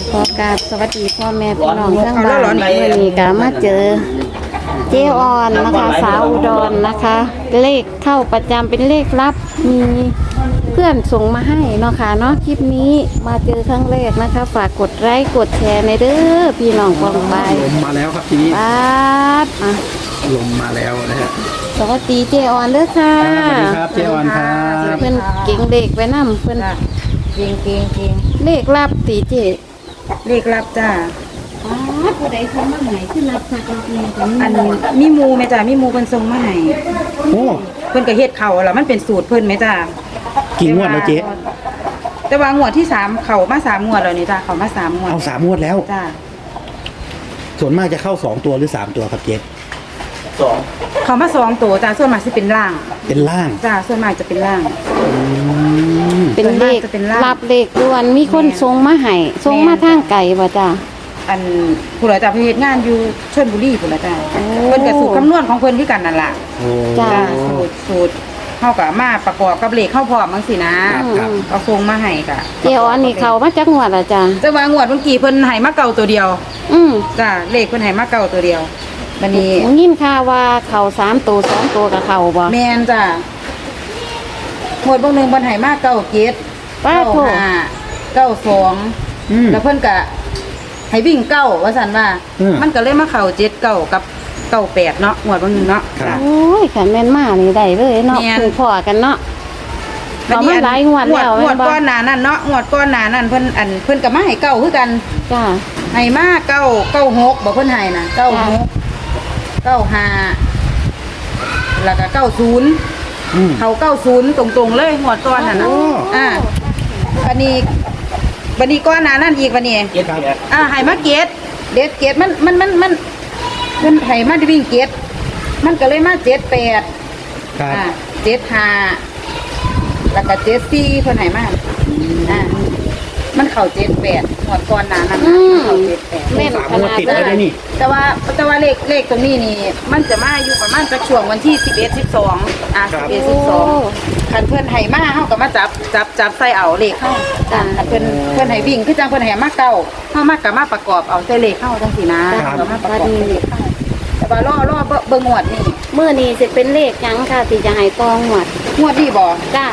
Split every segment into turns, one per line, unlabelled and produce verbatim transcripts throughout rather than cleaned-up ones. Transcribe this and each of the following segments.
ขอกราบสวัสดีพ่อแม่พี่น้องทั้งบ้านวันนี้ก็มาเจอเจออนนะคะสาวอุดรนะคะ เลขเข้าประจำเป็นเลขลับมีเพื่อนส่งมาให้เนาะค่ะเนาะคลิปนี้มาเจอครั้งแรกนะคะ ฝากกดไลค์กดแชร์ในเด้อพี่น้องกองไป
ลมมาแล้วครับทีนี้
ป๊าดอ่ะ
ลมมาแล้วนะฮะ
สวัสดีเจออนเด้อค่ะ
สวัสดีครับเจออนครับ
เพื่อนเก่งเลขไว้นำเพื่อน
เก่งเก่งเก่ง
เลขลับตีเจ
เลขลับจ้า
อ๋อผู้ใดส่งมาให้ขึ้นรับสักรับเนี่ยกัน
อันมีหมูไหมจ้ามีหมูเพิ่นส่งมาให้
โอ้
เพิ่นก็เฮ็ดเข่าแล้วมันเป็นสูตรเพิ่นไหมจ้า
กี่งวดแล้วเจ๊
แต่ว่างวดที่สามเข่ามาสามงวดแล้วนี่จ้าเข่ามาสามงวด
เอาสามงวดแล้ว
จ้า
ส่วนมากจะเข้าสองตัวหรือสามตัวครับเจ๊
เข่ามาสองตัวจ้าส่วนมากสิเป็นล่าง
เป็นล่าง
จ้าส่วนมากจะเป็นล่าง
อืม
เป็นเลข
ส่วนมากจะเป็นลาบ
รับเลขด่วนมีคนส่งมาให้ส่งมาทางไก่บ่จ้า
อันผู้ใดจ้าเพิ่นเฮ็ดงานอยู่ชลบุรีพุ่นละจ้า
โอ้
เพิ่นก็สูตรคำนวณของเพิ่นคือกันนั่นล่ะ
โอ้
จ้ะ
จ้าสูตรสูตรเฮาก็มาประกอบกับเลขเข้าพร้อมจังซี่นะครับ
ครับ
เอาส่งมาให้ก็
เจออนนี่เขามาจากงวดละจ้า
แต่ว่างวดเมื่อกี้เพิ่นให้มาเก่าตัวเดียว
อืม
จ้าเลขเพิ่นให้มาเก่าตัวเดียวบัดนี้
ยินข่าวว่าเขาสามตัวสองตัวกับเขาบ่
แม่นจ้าหมวดเบางหนึงเพิ่นให้มาเก่าเจ็ด
ป้า
เก้า
โถ
ห้าเก้าสอง
อืม
แล้วเพิ่นก็ให้วิ่งเก้าว่าซั่นว่า
อืม
มันก็เลยมาเข้าเจ็ดเก้ากับเก้าแปดเนาะหมวดเบางหนึงเนาะ
ครับ
โอ้ยขันแม่นมานี่ได้เลยเนาะ
แม่น
คือพ่อกันเนาะ เขามาหลายงวดแล้ว
งวด
แม่นบ่
ก้อนหน้านั้นเนาะงวดก้อนหน้านั้นเพิ่นอันเพิ่นก็มาให้เก้าคือกัน
จ้า
ให้มาเก้าเก้าหกบอกเพิ่นให้นะเก้าหกเก้าห้าแล้วก็เก้าศูนย์
อืม
เขาเก้าศูนย์ตรงๆเลยงวดก้อนน่ะนะ
โอ้
อ่าบันนี้บันนี้ก้อนหน้านั่นอีกบันนี้
ครับ
อ่าให้มาเกตเด็ดเกตมันมันมันมันมันให้มาวิ่งเกตมันก็เลยมาเจ็ดแปด
ครับ
อ่าเจ็ดห้าแล้วก็เจ็ดสี่เพิ่นให้มาอ่ามันเข่าเจ็ดแปดหมดก่อนหนานั้น
อื
นะ
ม
เข่าเจ็ดแปด
แม่น
สาม
ข
งวด
นาด
ติด
เล
แล้ว
ย
นะนี่
แต่ว่าแต่ว่าเลขเลขตรงนี้นี่ มันจะมาอยู่ประมาณสักช่วงวันที่สิบเอ็ดสิบสองอ่าสิบเอ็ดสิบสองคันเพื่อนให้มาเฮาก็มาจับจับจับใส่เอาเลขเข้าอ่าคันเพื่อนเพื่อนให้วิ่งคือจังเพื่อนให้มาเก้าเฮามาก็มาประกอบเอาใส่เลขเข้าจังซี่นะเรามาประกอบใส่เลขเข้าแต่ว่าล่อล่อเบิ่งงวดนี่
เมื่อนี้สิเป็นเลขหยังค่ะที่จะให้ตองหวด
งวดนี่บ่
จ้า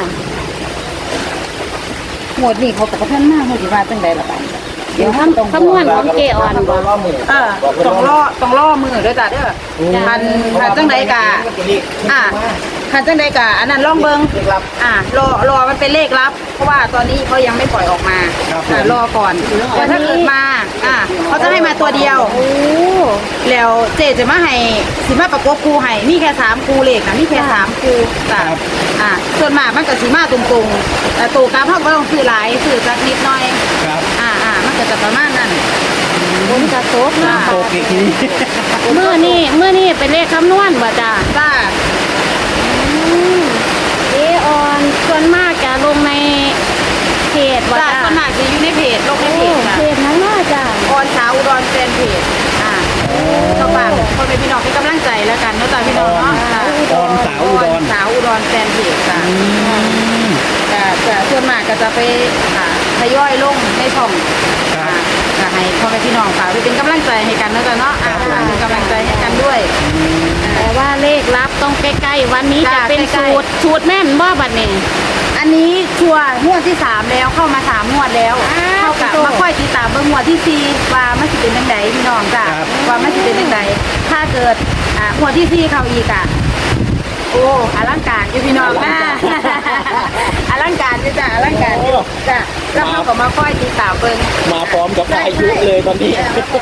งวดนี่เขาก็บ่ทันมาเฮาสิว่าจังไดล่ะบัด
เดี๋ยว
ต้อง
คำนวณของเจออนบ่
เออต้องล่อต้องล่อมือเด้อจ้ะเด้อคันคันจังไดกะอ่าคันจังไดกะอันนั้นลองเบิ่งอ่ารอรอมันเป็นเลขลับ เพราะว่าตอนนี้เขายังไม่ปล่อยออกมา
ครับผม
อ่ารอก่อนแต่ถ้าเกิดมาอ่าเขาจะให้มาตัวเดียว
โอ้
แล้วเจจะมาให้สิมาประกบครูให้มีแค่สามครูเลขนะมีแค่สามครูจ้ะอ่าส่วนมากมันก็สิมาตรงๆแต่ตัวกราฟเขาก็ต้องซื้อหลายซื้อสักนิดหน่อย
ครับ
อ่าอ่ามันก็จะประมาณนั้น
บนกระโตกเนาะ
โอเคทีนี้
เมื่อนี้เมื่อนี้เป็นเลขคำนวณบ่จ้า
จ้า
อืมเจออนส่วนมากจะลงในเพจบ่
จ้า
จ้า
ขนาดจะอยู่ในเพจลงใน
โอ้
เพจจ้ะ
เพจนั้นว่าจ้า
ออนสาวอุดรแฟนเพจอ่าเข้าฝากคนเป็นพี่น้องเป็นกำลังใจแล้วกันเนาะจ้าพี่น้องเนาะจ้ะ
ออนสาวอุด
อ
ร
อนสาวอุดรแฟนเพจจ้ะ
อืม
จะจะส่วนมากก็จะไปอ่าทยอยลงในช่อง
ครับ
อ่าก็ให้พ่อแม่พี่น้องฝากไปเป็นกำลังใจให้กันเนาะจ้ะเนาะอ่าเป็นกำลังใจให้กันด้วย
แต่ว่าเลขลับต้องใกล้ๆวันนี้จะ
จ้ะ
เป็น
ใกล้
สู
ๆ
ตรสูตรแน่นบ่บัดนี้
อันนี้ชัวร์งวดที่สามแล้วเข้ามาสามงวดแล้ว
อ้าว
เท่ากับ
โถ่
มาค่อยติดตามเบิ่งงวดที่สี่ว่ามันสิเป็นจังไดพี่น้องจ้ะ
ครับ
ว่ามันสิเป็นจังไดถ้าเกิดอ่างวดที่สี่เข้าอีกอ่ะโอ้อลังการอยู่พี่น้องนะ อลังการอยู่จ้ะอลังการอยู่จ้ะแล้วเขาก็มาค่อยติดตามเบิ่ง
มาพร้อมกับอายุเลยตอนนี้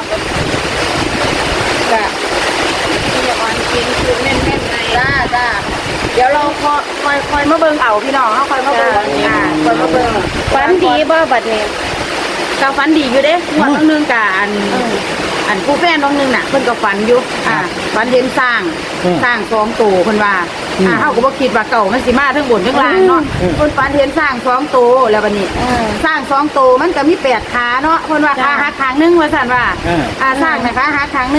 จ้ะพี่ออนกินคือแน่นๆในจ้าจ้าเดี๋ยวเราคอยคอยคอยมาเบิ่งเอาพี่น้องเขาคอยมาเบิ่งอ่าคอยมาเบิ่ง
ฝันดีบ่บัดนี้
ก็ฝันดีอยู่เด้งวดบางนึงกะอันอันผู้แฟนบางนึงน่ะเพิ่นก็ฝันอยู่อ่าฝันเห็นสร้าง
อืม
สร้างสองตัวเพิ่นว่า
อืม
อ่าเฮาก็บ่คิดว่าเก่ามันสิมาทั้งบนทั้งล่างเนาะ
อืม
เพิ่นฝันเห็นสร้างสองตัวแล้วบัดนี้
เออ
สร้างสองตัวมันก็มีแปดขาเนาะเพิ่นว่า
จ้ะ
ขาหักข้างหนึงว่าซั่นว่า
อ่า
อ่าสร้างนะคะหักข้างหนึง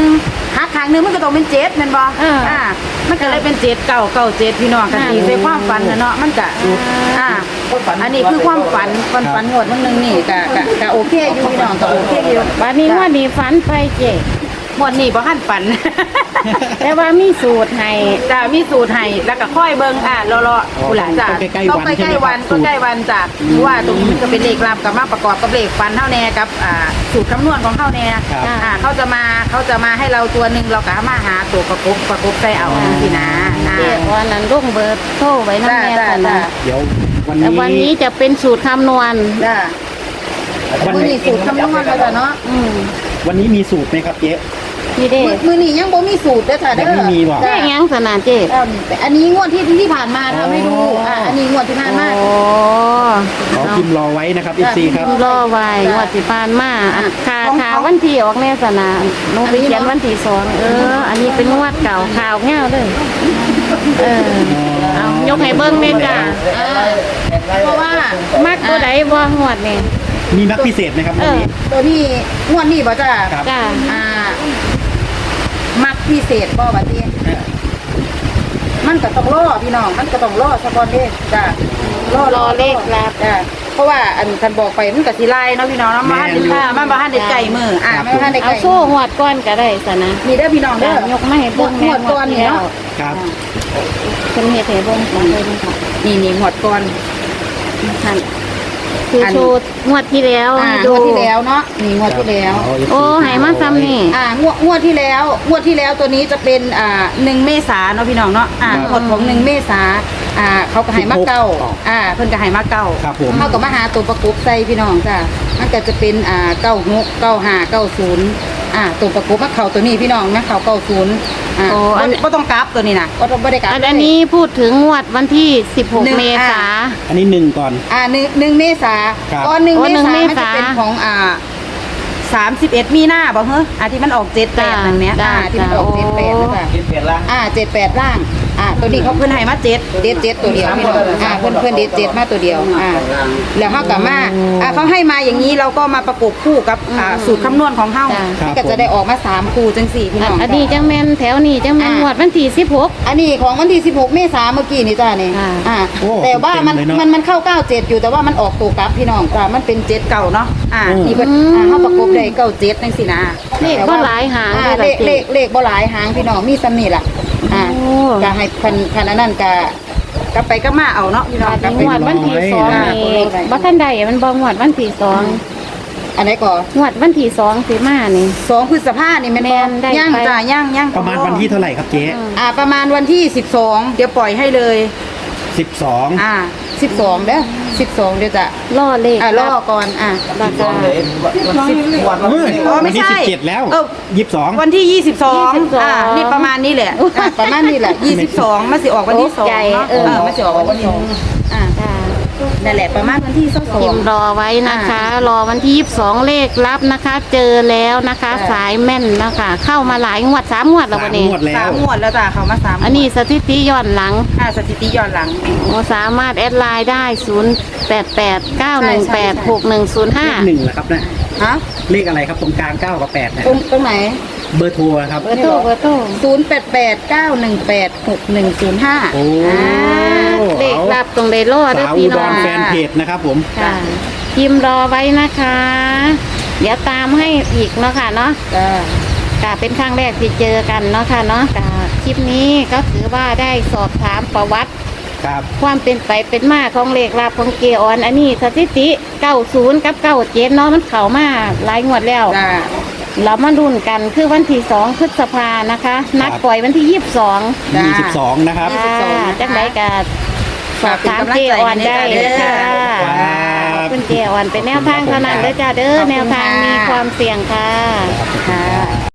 หักครั้งหนึงมันก็ต้องเป็นเจ็ดแม่นบ่
อ่า
อ่ามันก็เลยเป็นเจ็ดเก้าเก้าเจ็ดพี่น้องกันตีใส่ความฝันนะเนาะมันก็อ่าอันนี้คือความฝันความฝันงวดมันหนึงนี่ก็ก็ก็โอเคอยู่พี่น้องก็โอเคอยู่
วันนี้ว่านี่ฝันไปเจ๊
งวดนี้บ่ทันฝัน
แต่ว่ามีสูตรให้
จ้ามีสูตรให้แล้วก็ค่อยเบิ่งอ่ะรอๆผู้หลานจ้า
ต้องใกล้ๆ
ต้อง
วัน
ไปใกล้
ใช่ไหม
วัน
ครับ
ก็ใกล้วันจ้ะเพราะว่าตรงนี้มันก็เป็นเลขลับกับมาประกอบกับเลขฟันเท่าแน่กับอ่าสูตรคำนวณของเท่าแน่
ครับ
อ่าเขาจะมาเขาจะมาให้เราตัวหนึ่งเราก็มาหาตัวประกบประกบใส่เอาสินะอ่า
เจ๊ออนนั้นลงเบอร์โทรไว้นั่น
จ้า
แน่
จ้า
สัน
จ้า
นะ
เดี๋ยววัน
แต่
นี้
วันนี้จะเป็นสูตรคำนวณ
จ้า
วัน
มือ
นี้
นี่สูตรคำนวณแล้วจ้ะเนาะ
อืม
วันนี้มีสูตรไหมครับเจ๊
นี่เด้
มือมือนี่ยังบ่มีสูตรเด้อจ้ะเด้อ
ยังไม่มีหรอ
แจ้งยังสนานเจ๊
เอิ่มแต่อันนี้งวดที่ที่ผ่านมาทำให้ดูอ่าอันนี้งวดที่ผ่านมา
โอ้
ขอพิมพ์รอไว้นะครับ เอฟ ซี ครับ
รอไว้งวดสิผ่านมาอันคา
ของ
ข่าววันที่ออกแน่สนานหนูไปเขียนวันที่สองเออ อันนี้เป็นงวดเก่าข่าวเงาเลยเออเอายกให้เบิ้งแม่จ้า
อ่าเพราะว่า
มักตัวใดบ่งวดนี่
มีนักพิเศษไหมครับ
เอ
วัน
อ
นี้
ตัวนี้งวดนี้บ่จ้ะ
ครับ
จ้า
อ่า มักพิเศษบ่บัดนี้
เออ
มันก็ต้องรอพี่น้อง มันก็ต้องรอสะกอนเด้จ้ะรอ
รอเลขลับ
จ้ะเพราะว่าอันคันบอกไปมันก็สิไล่เนาะพี่น้องเนาะมาหันอ่ามันบ่ทันได้ไก่มืออ่ามันบ่ทันได้
เอา
ไก่
โซ่งวดก้อนก็ได้สนะ
นี่เด้อพี่น้องเด้
จ้า
อย
กมาให้เบิ้ง
หมวดก่อนนี่เนาะ
ครับ
เพิ่นเฮ็ดให้เบิ้งก่อนเลยนะคะ
นี่นี่หมวดก่อน
ท่านคือ
อัน
โชว์งวดที่แล้ว
อ่า
ให้
ง
ดู
วดที่แล้วเนาะนี่งวดที่แล้ว
เา เอฟซี
โอ้ให้มาซ้ำนี่
อ่างวดงวดที่แล้วงวดที่แล้วตัวนี้จะเป็นอ่าหนึ่งเมษาเนาะพี่น้องเนาะอ่างวดของหนึ่งเมษาอ่าเขาก็ให้มาเก้าอ่าเพิ่นก็ให้มาเก้า
ครับผม
เขาก็มาหาตัวประกบใส่พี่น้องจ้ะมันก็จะเป็นอ่าเก้าหกเก้าห้าเก้าศูนย์อ่าตัวประกบมาเข่าตัวนี้พี่น้องนะเข่าเก้าศูนย์อ่า
โอ้อัน
ก็ต้องกราฟตัวนี้นะก็ต้องไม่ได้กราฟ
อันนี้พูดถึงงวดวันที่สิบหก
หนึ่ง
เมษา
อันนี้หนึ่งก่อน
อ่าหนึ่งหนึ่งเมษา
ครับ
ก้อนหนึ่ง
โอ้
เม
หนึ่ง
ษา
เม
มัน
ษา
จะเป็นของอ่าสามสิบเอ็ดมีหน้าบอกเฮ้ยอ่าที่มันออกเจ็ดแปดนั่นเนี้ย
จ้ะ
อ่าที่มันออก
จ้ะ
เจ็ดแปดนั่นแหละ
เจ็ดแปดละ
อ่าเจ็ดแปดล่างอ่าตัวนี้เขาเพิ่นให้มาเจ็ดเด็ดเจ็ดตัวเดียวพี่น้องอ่าเพิ่นเพิ่นเด็ดเจ็ดมาตัวเดียวอ่าแล้วเขากลับมาอ่าเขาให้มาอย่างนี้เราก็มาประกบคู่กับอ่าสูตรคำนวณของเขา
จ้ะ
ครับ
มันก็จะได้ออกมาสามคู่จังสี่พี่
อั
น้
น
อง
อันนี้จังแมนแถวนี้จังแมน
อ่า
งวดวันที่สิบหก
อันนี้ของวันที่สิบหกเมษาเมื่อกี้นี่จ้านี่
อ่า
อ่า
โอ้
แต่ว่ามัน
เต็มเลยเนอะ
มันมันเข้าเก้าเจ็ดอยู่แต่ว่ามันออกตัวกลับพี่น้องจ้ามันเป็นเจ็ดเก่าเนาะอ่า
อืม
นี่เพิ่นอ่าเขาประกบได้เก้าเจ็ดจังสี่นะ
เลขก็หลายหาง
อ่า
เลย
เล
ล่ะ
ข
เจ๊
เลขเลขบ่หลายหางพี่น้องมีซ้ำนี่ล่ะอ่า
โอ้
ก็ให้พันพันอันนั้นก็กลับไปก็มาเอาเนาะพี่น้องกลับไป
งวดวันที่สองนี่บ่ทันใดมันบ่งวดวันที่สอง
อันไหนก่อน
งวดวันที่สองสิมานี่
สองพฤษภานี่แม่น
แม่
บ่
นได้
ย่าง
ไป
จ้าย่างย่าง
ประมาณวันที่เท่าไหร่ครับเจ๊
อ่าประมาณวันที่สิบสองเดี๋ยวปล่อยให้เลย
สิบสอง
อ่าสิบสองเด้อสิบสองเดี๋ยวจะ
ล่อเลข
อ่ารอก่อนอ่า
ราคา
สิบ
เฮ้ย
อ๋อไม่
วันที่
ใช่
สิบเจ็ดแล้ว
เออ
ยี่สิบสอง
วันที่ยี่สิบสอง
ยี่สิบสอง
อ่านี่ประมาณนี้แหละอ่าประมาณนี้แหละยี่สิบสองมันสิออกวันที่สอง
โอ้ใจ
เนาะ
เอ
เอ
อ
อมันสิออกวันที่สองอ่า
จ้า
นั่นแหละประมาณวันที่สอง
พิมพ์รอไว้นะคะ รอวันที่ยี่สิบสองเลขรับนะคะ เจอแล้วนะคะ สายแม่นนะคะ เข้ามาหลายงวดสามงวดแล้ว
สา
วั
ม
นนี้
งวดแล้
สาว มงวดแล้วจ้ะเขามาสาม
อันนี้สถิติย้อนหลัง
อ่าสถิติย้อนหลัง
โอ้สามารถแอดไลน์ได้ ศูนย์ แปด แปด เก้า หนึ่ง แปด หก หนึ่ง ศูนย์ ห้า
เลขหนึ่งเหรอครับนะ
ฮะ
เลขอะไรครับตรงกลางเก้ากับแปดนะ
ตรงตรงไหน
เบอร์โทรครับ
เบอร์โทรเบอร์โทร
ศูนย์แปดแปดเก้าหนึ่งแปดหกหนึ่งศูนย์ห้า
โอ้
อ่าเลขรับตรงไดโลด้วย
สาว
พี่
อุด
น้อ
รง แฟนเพจนะครับผม
ค่ะพิมพ์รอไว้นะคะ เดี๋ยวตามให้อีกเนาะค่ะเนาะ
จ้า
ก็เป็นครั้งแรกที่เจอกันเนาะค่ะเนาะก็คลิปนี้ก็ถือว่าได้สอบถามประวัติ
ครับ
ความเป็นไปเป็นมาของเลขลับของเกออน อันนี้สถิติเก้าศูนย์กับเก้าเจ็ดเนาะมันเข้ามาหลายงวดแล้ว
จ้า
เรามารุ่นกันคือวันที่สองพฤษภานะคะ นัดปล่อยวันที่ยี่สิบสอง
จ้า
ยี่สิบสองนะครับ
ยี่สิบสองนะคะ
จังไดกันสอบถามเจออนได้เลยค่ะ
ครับ
คุณเจออนเป็นแนวทางเท่านั้นเด้อจ้าเด้อ
ขอบคุณ
แนวทาง
ค่ะ
มีความเสี่ยงค่ะ
ค่ะ